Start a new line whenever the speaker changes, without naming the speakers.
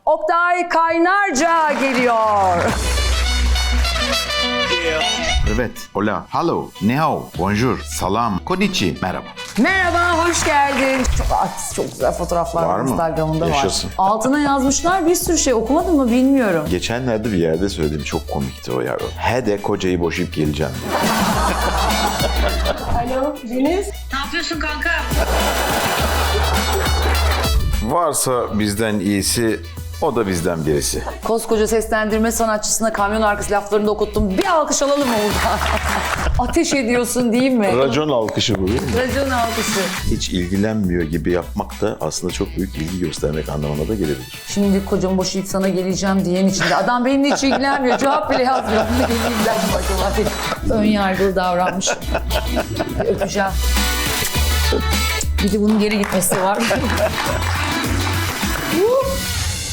Oktay Kaynarca geliyor.
Evet, hola, hello, ni hao, bonjour, salam, konnichi, merhaba.
Merhaba, hoş geldin. Çok artist, çok güzel fotoğraflar
Var mı?
Instagram'ında
Yaşasın.
var. Altına yazmışlar bir sürü şey. Okumadın mı bilmiyorum.
Geçenlerde bir yerde söylediğim çok komikti o ya. He de kocayı boşayıp geleceğim diye.
Alo Deniz.
Ne yapıyorsun kanka?
Varsa bizden iyisi, o da bizden birisi.
Koskoca seslendirme sanatçısına kamyon arkası laflarını da okuttum. Bir alkış alalım mı burada? Ateş ediyorsun değil mi?
Racon alkışı bu değil mi?
Racon alkışı.
Hiç ilgilenmiyor gibi yapmak da aslında çok büyük ilgi göstermek anlamına da gelebilir.
Şimdi kocamı boşayıp sana geleceğim diyen içinde. Adam benimle hiç ilgilenmiyor. Cevap bile yazmıyor. Ne ilgilenmiyor acaba diye. Ön yargılı davranmış. Öpeceğim. Bir de bunun geri gitmesi var.